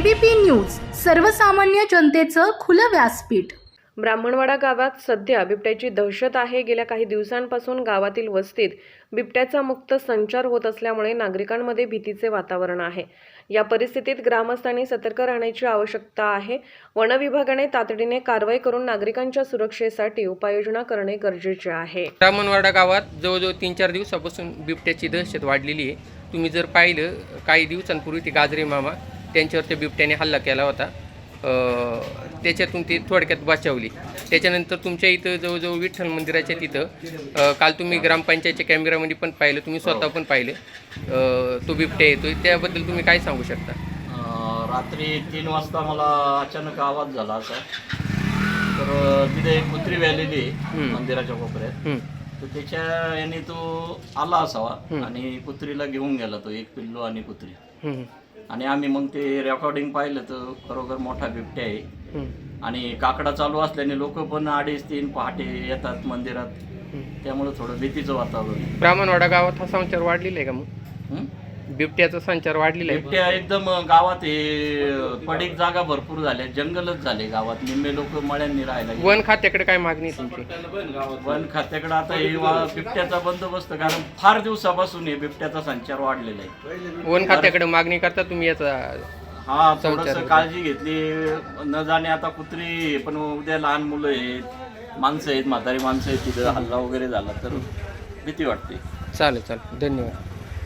ABP news, सर्वसामान्य जनतेचं खुलं व्यासपीठ। ब्राह्मणवाडा गावात सध्या बिबट्याची दहशत आहे। गेल्या काही दिवसांपासून गावातील वस्तीत बिबट्याचा मुक्त संचार होत असल्यामुळे नागरिकांमध्ये भीतीचे वातावरण आहे। या परिस्थितीत ग्रामस्थांनी सतर्क राहण्याची आवश्यकता आहे। वन विभागाने तातडीने कारवाई करून नागरिकांच्या सुरक्षेसाठी उपाययोजना करणे गरजेचे आहे। ब्राह्मणवाडा गावात जवळजवळ 3-4 दिवसापासून बिबट्याची दहशत वाढलेली आहे। तुम्ही जर पाहिलं, काही दिवसांपूर्वी ते गाजरे मामा त्यांच्यावर त्या बिबट्याने हल्ला केला होता, त्याच्यातून ती थोडक्यात बचावली। त्याच्यानंतर तुमच्या इथं जवळजवळ विठ्ठल मंदिराच्या तिथं काल तुम्ही ग्रामपंचायतच्या कॅमेऱ्यामध्ये पण पाहिलं, तुम्ही स्वतः पण पाहिलं तो बिबट्या येतोय, त्याबद्दल तुम्ही काय सांगू शकता? रात्री 3 वाजता मला अचानक आवाज झाला असा, तर तिथे एक कुत्री व्यालेली आहे मंदिराच्या कोपऱ्यात, तर त्याच्या याने तो आला असावा आणि कुत्रीला घेऊन गेला, तो एक पिल्लू आणि कुत्री। आणि आम्ही मग ते रेकॉर्डिंग पाहिलं तर खरोखर मोठा बिबट्या आहे आणि काकडा चालू असल्याने लोक पण 2:30-3 पहाटे येतात मंदिरात, त्यामुळे थोडं भीतीचं वातावरण। ब्राह्मणवाडा गावात हा संचार वाढलेला आहे का? मग बिबट्याचा संचार वाढलेला आहे? बिबट्या एकदम गावात हे पडीक जागा भरपूर झाल्या, जंगलच झाले गावात, निम्मे लोक मळ्यांनी राहायला। वन खात्याकडे काय मागणी तुमची? वन खात्याकडे आता हे बिबट्याचा बंदोबस्त, कारण फार दिवसापासून हे बिबट्याचा संचार वाढलेला आहे। वन खात्याकडे मागणी करता तुम्ही याचा? हा, थोडस काळजी घेतली न जाणे, आता कुत्री पण उद्या लहान मुलं आहेत, माणसं आहेत, म्हातारी माणसं आहेत, तिथं हल्ला वगैरे झाला तर भीती वाटते। चालेल, धन्यवाद।